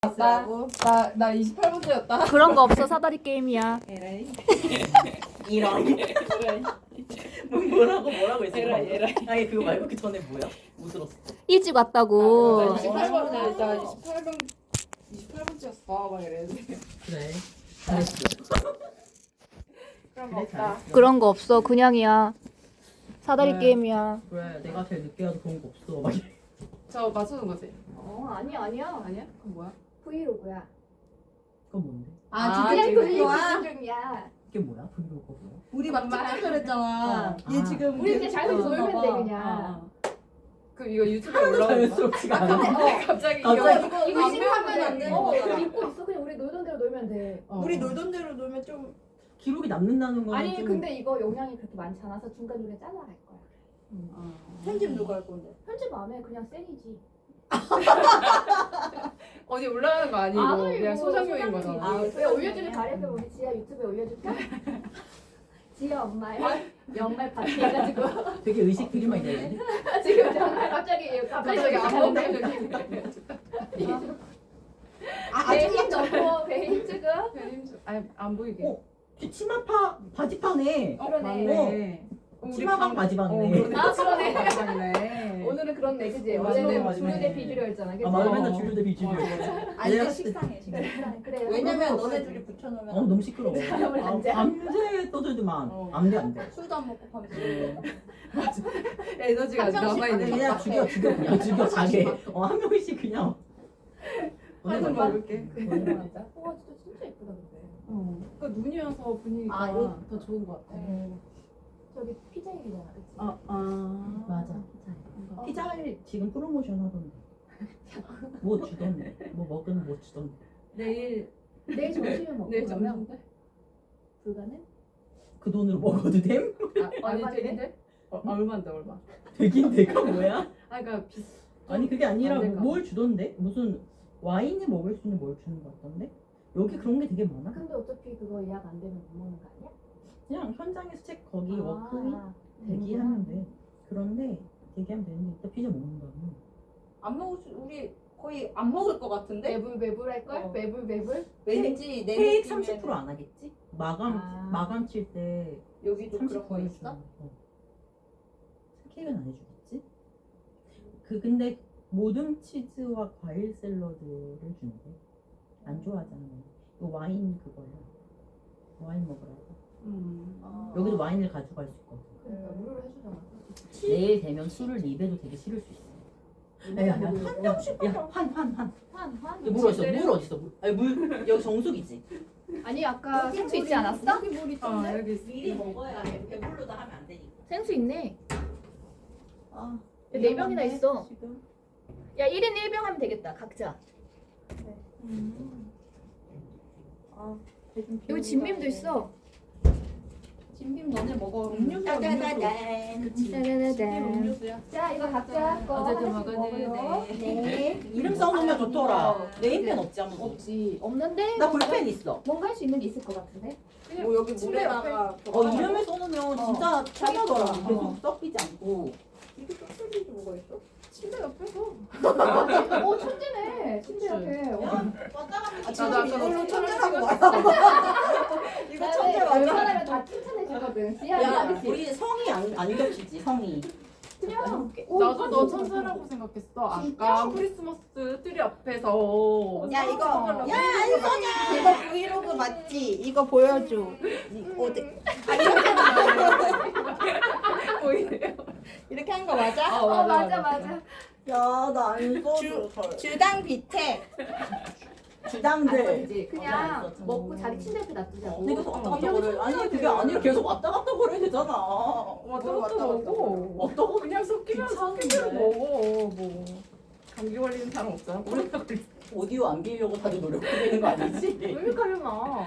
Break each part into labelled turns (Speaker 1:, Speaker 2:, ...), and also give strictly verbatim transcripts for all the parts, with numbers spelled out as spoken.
Speaker 1: 나, 나, 나 이십팔 번째였다.
Speaker 2: 그런 거 없어. 사다리 게임이야.
Speaker 1: 에라이.
Speaker 3: 이런
Speaker 1: 에라이.
Speaker 3: 뭐 뭐라고 뭐라고 했어?
Speaker 1: 에라이, 에라이.
Speaker 3: 아니 그거 말고 그 전에 뭐야? 못 들었어.
Speaker 2: 일찍
Speaker 1: 나
Speaker 2: 왔다고.
Speaker 1: 이십팔 번째, 나 이십팔 번, 이십팔 번째였어. 막 이랬는데.
Speaker 3: 그래. 잘했어.
Speaker 1: 그런 거
Speaker 3: 그래,
Speaker 1: 없다.
Speaker 3: 잘했어.
Speaker 2: 그런 거 없어. 그냥이야. 사다리
Speaker 3: 네.
Speaker 2: 게임이야.
Speaker 3: 그래 내가 제일 늦게 와도 그런 거 없어. 막 이래.
Speaker 1: 저 맞추는 거지?
Speaker 2: 어 아니야 아니야.
Speaker 1: 아니야? 그건 뭐야?
Speaker 2: 브이로그야.
Speaker 3: 그건 뭔데?
Speaker 1: 아,
Speaker 2: 그냥
Speaker 1: 지금
Speaker 2: 돌리는
Speaker 1: 거야?
Speaker 2: 중이야.
Speaker 3: 이게 뭐야? 브이로그 뭐야?
Speaker 4: 우리 막 찍자 그랬잖아.
Speaker 3: 어.
Speaker 4: 얘
Speaker 3: 아.
Speaker 4: 지금
Speaker 2: 우리 그냥 자연스럽게
Speaker 4: 어,
Speaker 2: 놀면
Speaker 4: 봐봐.
Speaker 2: 돼 그냥.
Speaker 1: 그 이거 유튜브에
Speaker 3: 하나도
Speaker 1: 올라오는 거야?
Speaker 3: 자연스럽지가 않아.
Speaker 1: 갑자기
Speaker 3: 갑자기
Speaker 1: 이거
Speaker 4: 이거
Speaker 2: 이거
Speaker 4: 안
Speaker 2: 신고하면
Speaker 4: 하면 안
Speaker 2: 돼.
Speaker 4: 되는
Speaker 2: 어
Speaker 4: 거잖아.
Speaker 2: 이거 입고 있어. 그냥 우리 놀던 대로 놀면 돼.
Speaker 1: 어.
Speaker 4: 우리 놀던 대로 놀면 좀
Speaker 3: 기록이 남는다는 거는
Speaker 2: 아니
Speaker 3: 좀
Speaker 2: 근데 이거 용량이 그렇게 많지 않아서 중간 중간 잘라갈 거야.
Speaker 1: 어.
Speaker 4: 편집 누가 할 건데?
Speaker 2: 편집 안 해. 그냥 쌩이지.
Speaker 1: 어디 올라가는 거 아니고
Speaker 2: 아니고,
Speaker 1: 그냥 소장용인
Speaker 2: 소장용이지.
Speaker 1: 거잖아.
Speaker 4: 아,
Speaker 2: 왜
Speaker 4: 소장용이네.
Speaker 2: 올려주길 바랬으면 우리 지아 유튜브에 올려줄까? 지아 엄마의 연말 파티 해가지고
Speaker 3: 되게 의식 되게 많이 되는데.
Speaker 2: 지금 정말 갑자기 갑자기
Speaker 1: 갑자기 안
Speaker 2: 하는데
Speaker 1: 먹는
Speaker 4: 아,
Speaker 2: 배에
Speaker 4: 아줌마
Speaker 2: 힘 넣고 배에 힘 주고
Speaker 1: 아니 안 보이게.
Speaker 3: 어? 치마파 바지파네.
Speaker 1: 어,
Speaker 2: 그러네.
Speaker 1: 맞네. 어, 우리
Speaker 3: 치마방
Speaker 1: 방-
Speaker 3: 바지방이네.
Speaker 1: 어, 그러네.
Speaker 2: 아, 그러네.
Speaker 1: 바지방이네.
Speaker 2: 오늘은 그렇네 그지?
Speaker 3: 어,
Speaker 2: 원래는
Speaker 3: 맞네, 맞네.
Speaker 2: 주류대 비주류였잖아 그지?
Speaker 3: 아 맞아
Speaker 1: 어.
Speaker 3: 맨날 주류 대 비주류.
Speaker 4: 아 이게 식상해 지금.
Speaker 2: 그래
Speaker 4: 왜냐면
Speaker 1: 그거
Speaker 4: 너네 둘이 붙여놓으면
Speaker 3: 어 너무 시끄러워.
Speaker 2: 사람을
Speaker 3: 아,
Speaker 2: 단죄.
Speaker 3: 밤새 떠들지만
Speaker 1: 어.
Speaker 3: 안돼 안돼.
Speaker 4: 술도 안 먹고 밤새.
Speaker 1: 에너지가
Speaker 4: 한 명씩
Speaker 1: 남아있는
Speaker 3: 아니
Speaker 1: 거.
Speaker 3: 그냥 죽여 죽여 그냥 죽여 자게. 어한 명씩 그냥.
Speaker 1: 한번
Speaker 3: 맞아.
Speaker 1: 먹을게.
Speaker 2: 맞아. 와 진짜 진짜 예쁘다 근데.
Speaker 1: 어. 그 눈이어서 분위기가
Speaker 4: 아 이거 더 좋은 것 같아.
Speaker 2: 어. 저기 피자일이잖아 그치?
Speaker 1: 아, 아.
Speaker 3: 맞아.
Speaker 4: 어.
Speaker 3: 피자를 지금 프로모션 하던데. 뭐 주던데. 뭐 먹으면 뭐 주던데.
Speaker 1: 내일
Speaker 2: 내일 점심에 먹고
Speaker 1: 내일
Speaker 2: 그러면
Speaker 1: 점심 때?
Speaker 2: 불가능?
Speaker 3: 그 돈으로 먹어도 됨?
Speaker 1: 아, 아니
Speaker 2: 얼마인데?
Speaker 1: 되는데? 어, 얼마인데 얼마?
Speaker 3: 되긴 내가 뭐야?
Speaker 1: 아 그러니까 비.
Speaker 3: 아니 그게 아니라
Speaker 1: 안 될까?
Speaker 3: 뭘 주던데? 무슨 와인을 먹을 수 있는 뭘 주는 것 같던데? 여기 그런 게 되게 많아.
Speaker 2: 근데 어차피 그거 예약 안 되면 못 먹는 거 아니야?
Speaker 3: 그냥 현장에서 책 거기
Speaker 2: 아,
Speaker 3: 워크인 대기하면 돼. 그런데 대기하면 되는데 이따 피자 먹는다고.
Speaker 4: 안 먹을 수 우리 거의 안 먹을 것 같은데?
Speaker 2: 매불 매불 할 걸?
Speaker 4: 어.
Speaker 2: 매불 매불?
Speaker 4: 왠지 내
Speaker 3: 케이크
Speaker 4: 느낌에는
Speaker 3: 삼십 퍼센트 안 하겠지? 마감
Speaker 2: 아.
Speaker 3: 마감 칠 때
Speaker 4: 여기도
Speaker 3: 삼십
Speaker 4: 그런 거
Speaker 3: 퍼센트
Speaker 4: 있어?
Speaker 3: 어. 케이크는 안 해주겠지? 그 근데 모든 치즈와 과일 샐러드를 준대. 안 좋아하잖아. 이거 와인 그거야. 와인 먹으라고.
Speaker 1: 음.
Speaker 4: 어.
Speaker 3: 여기도 와인을 가져갈 수 있거든.
Speaker 2: 그러니까 무료로 해주잖아.
Speaker 3: 내일 되면 술을 입에도 되게 싫을 수 있어. 야야야 한 병씩 야한한 한.
Speaker 2: 환 환.
Speaker 3: 물 어딨어? 물 어딨어? 물. 아니 물 여기 정수기지.
Speaker 2: 아니 아까
Speaker 4: 여기
Speaker 2: 생수
Speaker 4: 물이-
Speaker 2: 있지 않았어?
Speaker 4: 여기 물
Speaker 1: 어
Speaker 4: 있던데?
Speaker 1: 여기 있어.
Speaker 3: 미리 먹어야 돼. 배불러도 하면 안 되니까.
Speaker 2: 생수 있네.
Speaker 4: 아,
Speaker 2: 야, 네 병이나
Speaker 4: 위험한데,
Speaker 2: 있어.
Speaker 4: 지금.
Speaker 2: 야 일 인 일 병 하면 되겠다 각자.
Speaker 4: 음. 아, 배 좀
Speaker 2: 여기
Speaker 4: 비우고
Speaker 2: 진빔도
Speaker 4: 가야
Speaker 2: 있어.
Speaker 4: 돼. 진빔 너네 먹어. 음료수야 음료수.
Speaker 2: 짜자자잔.
Speaker 4: 진빔 음료수야.
Speaker 2: 자 이거 각자 거
Speaker 1: 어제도
Speaker 2: 하나씩
Speaker 1: 먹었는데.
Speaker 2: 먹어요.
Speaker 4: 네.
Speaker 3: 이름 써놓으면 좋더라. 네임펜 없지 아무도.
Speaker 2: 없지. 없는데
Speaker 3: 나 볼펜 있어.
Speaker 2: 뭔가 할 수 있는 게 있을 것 같은데.
Speaker 4: 뭐 여기
Speaker 1: 침대
Speaker 4: 물에다가
Speaker 3: 어 이름을 써놓으면 진짜 편하더라.
Speaker 4: 자기
Speaker 3: 계속
Speaker 4: 거.
Speaker 3: 섞이지 않고.
Speaker 4: 이게 또 소리도 뭐가 있어?
Speaker 1: 침대 옆에서.
Speaker 2: 어 천재네. 침대 옆에. 어.
Speaker 4: 아,
Speaker 1: 나도 아까
Speaker 4: 이걸로
Speaker 1: 너
Speaker 4: 천재라고
Speaker 1: 찍었어.
Speaker 4: 말하고 이거 천재 맞아?
Speaker 2: 웬만하면 다 칭찬해주거든. 지아
Speaker 3: 야
Speaker 2: 그치?
Speaker 3: 우리 성이 안, 안 겹치지 성이.
Speaker 2: 그냥
Speaker 1: 나도 너 천사라고 생각했어. 아까 크리스마스 트리 앞에서.
Speaker 4: 야 이거
Speaker 1: 야
Speaker 4: 야 이거 이거 브이로그 맞지? 이거 보여줘. 이- 어디?
Speaker 1: 보이네요.
Speaker 4: 이렇게 한 거 맞아?
Speaker 2: 어 맞아 맞아.
Speaker 3: 야나안
Speaker 4: 주- 주당 비태.
Speaker 3: 주당들.
Speaker 2: 그치?
Speaker 3: 어, 나
Speaker 2: 그냥
Speaker 3: 있어.
Speaker 2: 먹고 자기 침대 옆에 놔두자고.
Speaker 3: 근데 계속 왔다 갔다
Speaker 2: 인형이
Speaker 3: 거려. 아니
Speaker 2: 천재야,
Speaker 3: 그게
Speaker 2: 돼.
Speaker 3: 아니라 계속 왔다 갔다 거려야 되잖아.
Speaker 1: 왔다
Speaker 4: 뭘
Speaker 1: 갔다
Speaker 4: 왔다
Speaker 1: 먹고.
Speaker 3: 왔다 갔다.
Speaker 1: 그냥 섞이면
Speaker 3: 귀찮은데.
Speaker 1: 섞이면 먹어. 뭐 감기 걸리는 사람 없잖아. 코로나 걸리.
Speaker 3: 오디오 안 비우려고 다들 노력하고 있는 거 아니지?
Speaker 2: 의미가려나.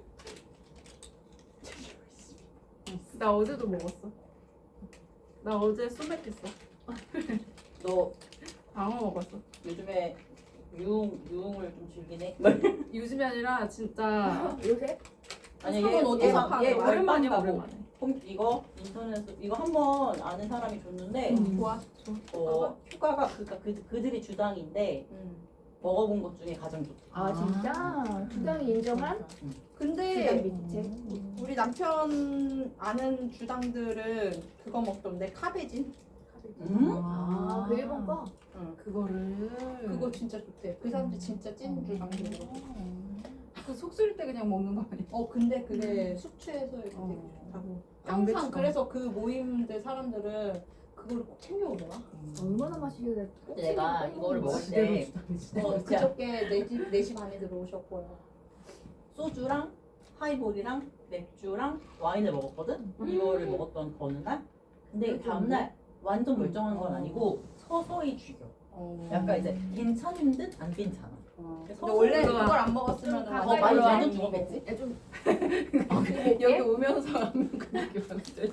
Speaker 1: 나 어제도 먹었어. 나 어제 소맥했어.
Speaker 3: 너
Speaker 1: 방어 먹었어.
Speaker 3: 요즘에 유흥 유흥을 좀 즐기네.
Speaker 1: 요즘이 아니라 진짜
Speaker 2: 요새?
Speaker 3: 아니
Speaker 4: 손은
Speaker 3: 얘
Speaker 4: 어디서
Speaker 3: 얘
Speaker 4: 파는
Speaker 3: 얘
Speaker 4: 거야?
Speaker 1: 오랜만이야
Speaker 3: 오랜만하고
Speaker 1: 오랜만에.
Speaker 3: 홈 이거 인터넷에서 이거 한번 아는 사람이 줬는데
Speaker 1: 음. 좋아. 좋아.
Speaker 3: 어 휴가가 그니까 그 그들이 주당인데
Speaker 4: 음.
Speaker 3: 먹어본 것 중에 가장 좋다.
Speaker 2: 아 진짜? 주당이 인정한 주당
Speaker 4: 근데
Speaker 2: 밑에.
Speaker 4: 우리 남편 아는 주당들은 그거 먹던데 카베진.
Speaker 3: 음?
Speaker 2: 아, 그 일본 거?
Speaker 4: 응.
Speaker 1: 그거를
Speaker 4: 그거 진짜 좋대. 그 사람들 진짜 찐 주당들.
Speaker 1: 그속 쓰릴 때 그냥 먹는 거 아니야?
Speaker 4: 어 근데 그게 숙취해소에 되게
Speaker 1: 어.
Speaker 4: 좋다고.
Speaker 1: 양배추
Speaker 4: 항상 그래서 그 모임들 사람들은 그거를 꼭 챙겨오더라.
Speaker 2: 얼마나 맛있길래 꼭
Speaker 3: 내가
Speaker 2: 챙겨
Speaker 3: 이거를
Speaker 2: 먹는
Speaker 3: 먹을
Speaker 2: 거야?
Speaker 3: 때
Speaker 4: 어,
Speaker 3: 진짜
Speaker 4: 그저께 네시 네시 반에 들어오셨고요.
Speaker 3: 소주랑 하이볼이랑 맥주랑 와인을 먹었거든? 이거를 먹었던 그 어느 날? 근데 다음날 완전 멀쩡한 건 아니고 서서히 죽여.
Speaker 4: 어.
Speaker 3: 약간 이제 괜찮은 듯 안 괜찮아.
Speaker 4: 근데 원래 그걸 안 먹었으면
Speaker 2: 좀
Speaker 3: 어,
Speaker 2: 가까이
Speaker 3: 많이
Speaker 2: 와야
Speaker 3: 완전
Speaker 2: 돼.
Speaker 3: 죽었겠지?
Speaker 2: 야, 좀
Speaker 1: 여기 오면서 하는 그 느낌 알지?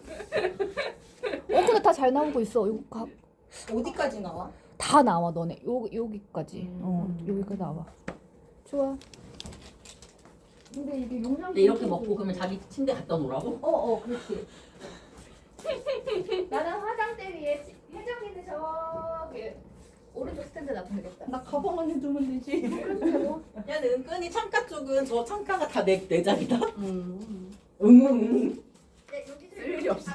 Speaker 5: 어 근데 다 잘 나오고 있어. 이거 가,
Speaker 4: 어디까지 나와?
Speaker 5: 다 나와 너네. 요 여기까지.
Speaker 1: 음.
Speaker 5: 어 여기까지 나와. 좋아.
Speaker 2: 근데 이게 용량
Speaker 3: 근데 이렇게 먹고 그러면 자기 침대 갖다 놓으라고?
Speaker 2: 어어 그렇지. 나는 화장대 위에 지- 혜정이는 저기 오른쪽 스탠드 놔두면 되겠다.
Speaker 4: 나 가방 안에 두면 되지.
Speaker 2: 그리고
Speaker 3: 야, 근데 은근히 창가 쪽은 저 창가가 다 내 내 자리다.
Speaker 1: 음.
Speaker 3: 응, 응.
Speaker 1: 쓸 일이 없어.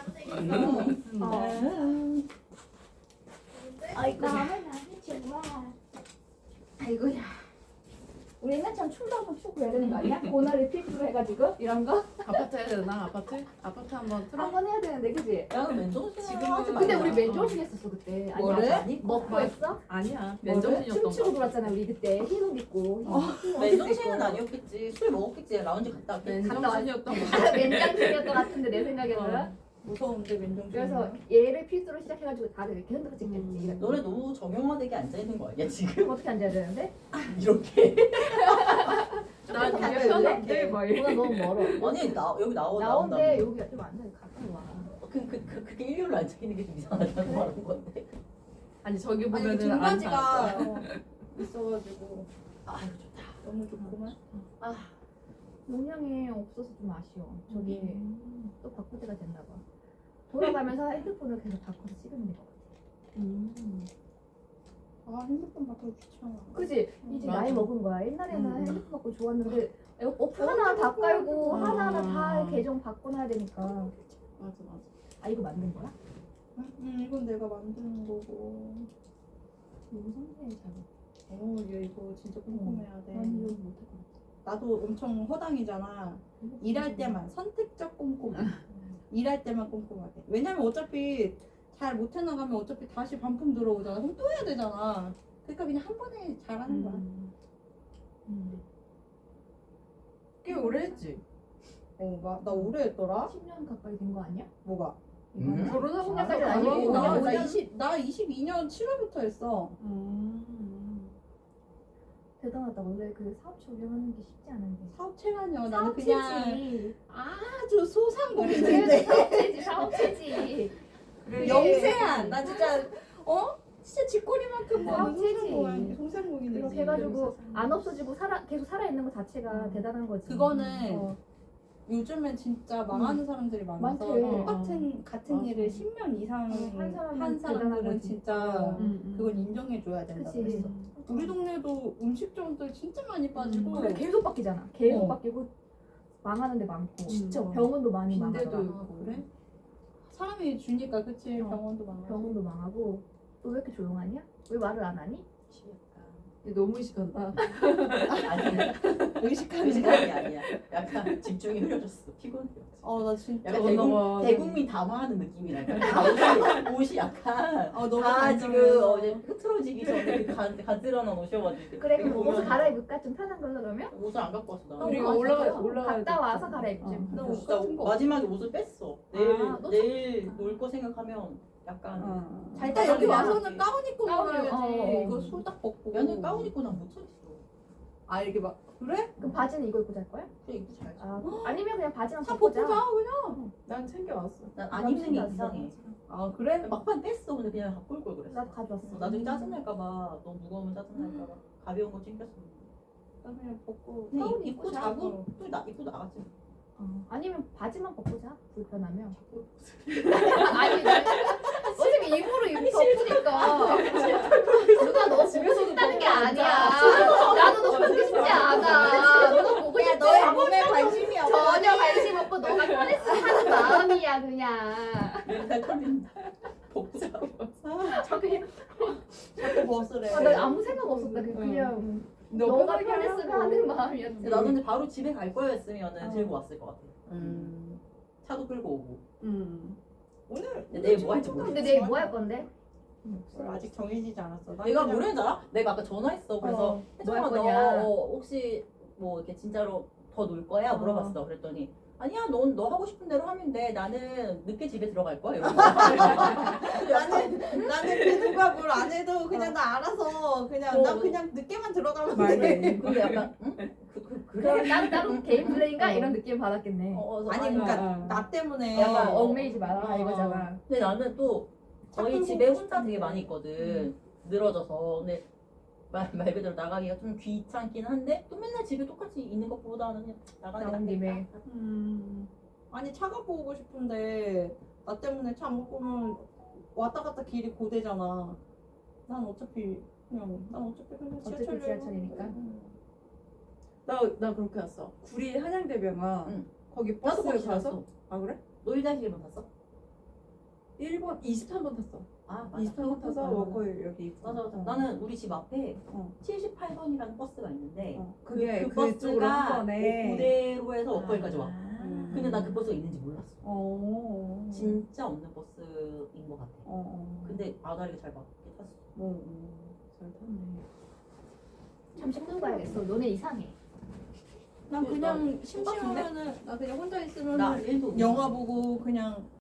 Speaker 3: 응.
Speaker 2: 아이고 나는 좋아. 아이고야. 우리 맨 처음 춤도 한번 추고 해야 되는 거 아니야? 고나를 필두로 해가지고 이런 거
Speaker 1: 아파트 해야 되나? 아파트? 아파트 한번 틀어?
Speaker 2: 한번 해야 되는데 그지?
Speaker 3: 야, 맨정신
Speaker 1: 지금은-
Speaker 3: 하지 마.
Speaker 2: 근데 우리 맨정신 했었어 그때. 아니,
Speaker 4: 뭐를?
Speaker 2: 아니, 먹고 했어?
Speaker 1: 아니야.
Speaker 2: 뭐를?
Speaker 1: 맨정신이었던
Speaker 2: 춤추고
Speaker 1: 거.
Speaker 2: 놀았잖아 우리 그때 흰옷 입고. 흰 옷
Speaker 3: 맨정신은
Speaker 2: 입고.
Speaker 3: 아니었겠지. 술 먹었겠지. 라운지 갔다 왔겠지.
Speaker 1: 맨정신이었던 거.
Speaker 2: 맨장신이었던 것 같은데 내 생각에는.
Speaker 4: 무서운데 맨정신.
Speaker 2: 그래서 얘를 필두로 시작해가지고 다들 이렇게 흔들어 찍겠지.
Speaker 1: 음.
Speaker 3: 너네 너무 정형화되게 앉아 있는 거 아니야 지금?
Speaker 2: 그럼 어떻게 앉아야 되는데?
Speaker 3: 이렇게.
Speaker 1: 난
Speaker 2: 앉아
Speaker 1: 이게
Speaker 2: 있을래?
Speaker 1: 편한데 막 이래.
Speaker 2: 보다 너무 멀어.
Speaker 3: 아니 나 여기 나오
Speaker 2: 나온데
Speaker 3: 나온다.
Speaker 2: 여기 좀 앉아 가까이 와.
Speaker 3: 그, 그, 그, 그게 일렬로 앉아 있는 게 좀 이상하다는 말인 건데.
Speaker 1: 아니 저기
Speaker 4: 아니
Speaker 1: 보면은
Speaker 4: 등받이가
Speaker 1: 안
Speaker 4: 있어가지고
Speaker 3: 아 이거 좋다.
Speaker 4: 너무 좋구만.
Speaker 2: 아 용량이 없어서 좀 아쉬워. 저기
Speaker 1: 음.
Speaker 2: 또 바꿀 때가 됐나 봐. 돌아가면서 핸드폰을 계속 바꿔서 찍으면 될 것 같아.
Speaker 1: 음.
Speaker 4: 아 핸드폰 바꿔 귀찮아.
Speaker 2: 그지? 이제
Speaker 1: 맞아.
Speaker 2: 나이 먹은 거야. 옛날에는
Speaker 1: 음.
Speaker 2: 핸드폰 바꿔 좋았는데 어플 하나 다 깔고
Speaker 1: 아.
Speaker 2: 하나하나 다 계정 바꿔놔야 되니까.
Speaker 1: 맞아 맞아.
Speaker 2: 아 이거 만든 거야?
Speaker 4: 응 이건 내가 만드는 거고.
Speaker 2: 너무 성공해 잘.
Speaker 4: 어, 얘 이거 진짜 꼼꼼해야 돼.
Speaker 2: 난 이거 못할 것 같아.
Speaker 4: 나도 엄청 허당이잖아. 일할 때만 선택적 꼼꼼. 일할 때만 꼼꼼하게. 왜냐면 어차피 잘 못해 나가면 어차피 다시 반품 들어오잖아. 그럼 또 해야 되잖아. 그러니까 그냥 한 번에 잘하는 거야.
Speaker 1: 음.
Speaker 2: 음.
Speaker 1: 꽤 오래 했지.
Speaker 4: 어, 나, 나 오래 했더라.
Speaker 2: 십 년 가까이 된 거 아니야?
Speaker 4: 뭐가?
Speaker 3: 음.
Speaker 1: 결혼하고
Speaker 2: 십 년까지
Speaker 1: 나서
Speaker 2: 아니고
Speaker 4: 나,
Speaker 2: 오
Speaker 4: 나,
Speaker 2: 년.
Speaker 4: 이십, 나 이십이 년 칠월부터 했어.
Speaker 1: 음.
Speaker 2: 대단하다. 원래 그 사업체 운영하는 게 쉽지 않은데.
Speaker 4: 사업체라뇨. 나는 그냥
Speaker 2: 사업체지.
Speaker 4: 아주
Speaker 2: 그래
Speaker 4: 소상공인인데.
Speaker 2: 사업체지 사업체지.
Speaker 1: 그래.
Speaker 4: 영세한. 나 진짜 어? 진짜 쥐꼬리만큼 뭐
Speaker 2: 사업체지.
Speaker 4: 소상공인, 소상공인이지.
Speaker 2: 그렇게 해가지고 안 없어지고 살아 계속 살아 있는 것 자체가 대단한 거지.
Speaker 4: 그거는
Speaker 2: 어.
Speaker 4: 요즘엔 진짜 망하는 사람들이 많아서
Speaker 2: 많대.
Speaker 4: 똑같은 같은
Speaker 1: 맞아.
Speaker 4: 일을 십 년 이상
Speaker 2: 어, 한 사람은
Speaker 4: 한
Speaker 2: 대단한
Speaker 4: 사람들은
Speaker 2: 거지.
Speaker 4: 진짜
Speaker 1: 음, 음.
Speaker 4: 그건 인정해줘야 된다
Speaker 2: 그치.
Speaker 4: 그랬어. 우리 동네도 음식점들 진짜 많이 빠지고
Speaker 2: 그래 계속 바뀌잖아. 계속
Speaker 4: 어.
Speaker 2: 바뀌고 망하는 데 많고
Speaker 1: 진짜.
Speaker 2: 병원도 많이
Speaker 1: 빈대도
Speaker 2: 망하더라.
Speaker 1: 있고.
Speaker 4: 그래? 사람이 주니까 그치
Speaker 2: 어.
Speaker 4: 병원도 많아.
Speaker 2: 병원도 망하고 너 왜 이렇게 조용하냐? 왜 말을 안 하니?
Speaker 1: 얘 너무 의식한다.
Speaker 3: 아니야.
Speaker 4: 의식하는
Speaker 3: 의식하는 게 아니야. 약간 집중이 흐려졌어. 피곤해.
Speaker 4: 어나 진짜
Speaker 3: 약간
Speaker 1: 어,
Speaker 3: 대국,
Speaker 1: 너무-
Speaker 3: 대국민 담화하는 느낌이랄까. 다 옷이, 옷이 약간
Speaker 4: 어, 너무
Speaker 3: 다
Speaker 4: 단정해서.
Speaker 3: 지금 어제 흐트러지기 전에 그 가, 가지런한 옷이어가지고.
Speaker 2: 그래 그럼
Speaker 3: 보면
Speaker 2: 옷을 갈아입을까? 좀 편한 걸로 그러면?
Speaker 3: 옷을 안 갖고 왔어 나.
Speaker 2: 어,
Speaker 1: 우리가
Speaker 2: 어,
Speaker 1: 올라가
Speaker 2: 진짜?
Speaker 1: 올라가
Speaker 2: 갔다 와서 갈아입지.
Speaker 1: 어.
Speaker 4: 나
Speaker 3: 나
Speaker 4: 옷 같은 거
Speaker 3: 마지막에 옷을 뺐어. 내일
Speaker 2: 아, 너
Speaker 3: 내일 놀 거 생각하면 약간.
Speaker 1: 어.
Speaker 4: 잘 때 여기
Speaker 3: 가방이
Speaker 4: 와서는 가운 입고
Speaker 2: 가운
Speaker 4: 놀아야지.
Speaker 2: 입- 어, 어.
Speaker 4: 이거 소딱 벗고.
Speaker 3: 야는 가운 입고 난 못 차겠어.
Speaker 4: 아 이렇게 막 그래?
Speaker 2: 그럼 바지는 이거 입고 잘 거야?
Speaker 3: 그래 입고 자야지.
Speaker 2: 아, 아니면 그냥 바지랑
Speaker 4: 다
Speaker 2: 벗고
Speaker 4: 벗고
Speaker 2: 자.
Speaker 4: 자 그냥.
Speaker 1: 난 챙겨왔어.
Speaker 3: 난 안 입는 게
Speaker 2: 남친
Speaker 3: 이상해.
Speaker 4: 아 그래?
Speaker 3: 막판 뺐어. 근데 그냥 갖고 올 걸 그랬어.
Speaker 2: 나도 가져왔어.
Speaker 3: 어, 나중에 짜증날까봐 너무 무거우면 짜증날까봐 가벼운 거 챙겼어.
Speaker 4: 나 그냥 벗고.
Speaker 3: 그냥
Speaker 2: 가운
Speaker 3: 입- 입고
Speaker 2: 입고
Speaker 3: 자고 또 나, 입고 나갔지.
Speaker 2: 어. 아니면 바지만 벗고 자. 불편하면.
Speaker 3: 자꾸
Speaker 2: 아니 어차피 입으로 입 덮으니까. 누가 너 집에서 싶다는 게 아니야. 나도 너 보고 싶지 않아. 누가 보고
Speaker 4: 야
Speaker 2: 싶지
Speaker 4: 너의
Speaker 2: 않아.
Speaker 4: 몸에 관심이 없어.
Speaker 2: 전혀 관심 없고 너가 편했으면 하는 마음이야 그냥.
Speaker 3: 맨날 터진다. 복잡.
Speaker 2: 저기
Speaker 4: 자꾸 벗으래.
Speaker 2: 아, 나 아무 생각 없었다. 그- 그냥 너가 편했으면 하는 마음이었지.
Speaker 3: 근데 나도 근데 바로 집에 갈 거였으면은
Speaker 2: 어.
Speaker 3: 들고 왔을 것 같아.
Speaker 4: 음.
Speaker 3: 차도 끌고 오고.
Speaker 4: 음. 오늘
Speaker 3: 근데 내일 뭐 할지 모르겠어.
Speaker 2: 근데 내일 뭐 할 건데?
Speaker 4: 아직 정해지지 않았어. 난
Speaker 3: 내가
Speaker 4: 그냥-
Speaker 3: 뭐랬는지 알아? 내가 아까 전화했어. 그래서
Speaker 2: 어,
Speaker 3: 혜정아
Speaker 2: 뭐
Speaker 3: 너
Speaker 2: 할 거냐?
Speaker 3: 어, 혹시 뭐 이렇게 진짜로 더 놀 거야?
Speaker 2: 어.
Speaker 3: 물어봤어. 그랬더니 아니야, 넌 너 하고 싶은 대로 하면 돼. 나는 늦게 집에 들어갈 거야. 이러는 거야.
Speaker 4: 나는 나는 그 누가 뭘 안 해도 그냥 나 알아서 그냥
Speaker 3: 어.
Speaker 4: 나 그냥 늦게만 들어가면
Speaker 1: 말해.
Speaker 4: 돼.
Speaker 3: 근데 약간 응? 그, 그, 그래?
Speaker 2: 그럼 따로 따로 개인 플레이인가
Speaker 1: 어.
Speaker 2: 이런 느낌 받았겠네.
Speaker 3: 어, 어,
Speaker 4: 아니
Speaker 3: 아니,
Speaker 4: 그러니까
Speaker 1: 어.
Speaker 4: 나 때문에
Speaker 2: 약간
Speaker 3: 어.
Speaker 2: 얽매이지 마라
Speaker 4: 어.
Speaker 2: 이거잖아.
Speaker 3: 근데 나는 또 저희
Speaker 4: 자꾸
Speaker 3: 집에
Speaker 4: 보고
Speaker 3: 혼자 되게
Speaker 4: 싶은데.
Speaker 3: 많이 있거든. 늘어져서. 근데 말, 말 그대로 나가기가 좀 귀찮긴 한데 또 맨날 집에 똑같이 있는 것보다는 그냥 나가는 게
Speaker 2: 나온 김에.
Speaker 3: 낫겠다.
Speaker 4: 음. 아니 차 갖고 오고 싶은데 나 때문에 차 못 보면 왔다 갔다 길이 고되잖아. 난 어차피 그냥 난 어차피 그냥
Speaker 2: 어차피
Speaker 4: 지하철
Speaker 2: 지하철이니까.
Speaker 1: 나, 나 그렇게 왔어. 구리 한양대병원
Speaker 3: 응.
Speaker 1: 거기
Speaker 3: 나도
Speaker 1: 버스
Speaker 3: 거기
Speaker 1: 가서
Speaker 3: 갔어.
Speaker 1: 아 그래?
Speaker 3: 놀자실만 탔어?
Speaker 1: 일 번 이십삼 번 탔어.
Speaker 3: 아 맞아.
Speaker 1: 이십삼 번 타서 워커힐 여기 있고.
Speaker 3: 맞아 맞아.
Speaker 1: 어.
Speaker 3: 나는 우리 집 앞에
Speaker 1: 어.
Speaker 3: 칠십팔 번이라는 버스가 있는데
Speaker 1: 어,
Speaker 3: 그,
Speaker 1: 그게
Speaker 3: 그
Speaker 1: 그쪽으로 한
Speaker 3: 버스가
Speaker 1: 번에
Speaker 3: 고대로에서 워커힐까지 와.
Speaker 1: 음.
Speaker 3: 근데 난 그 버스가 있는지 몰랐어.
Speaker 1: 어.
Speaker 3: 진짜 없는 버스인 것 같아.
Speaker 1: 어. 어.
Speaker 3: 근데 아다리가 잘 맞게 탔어.
Speaker 1: 어, 어. 잘 탔네.
Speaker 2: 잠시 끄고 가야겠어. 너네 이상해.
Speaker 4: 난 그냥
Speaker 3: 나 심각한데?
Speaker 4: 심심하면은 나 그냥 혼자 있으면
Speaker 3: 나 일도
Speaker 4: 영화 보고 그냥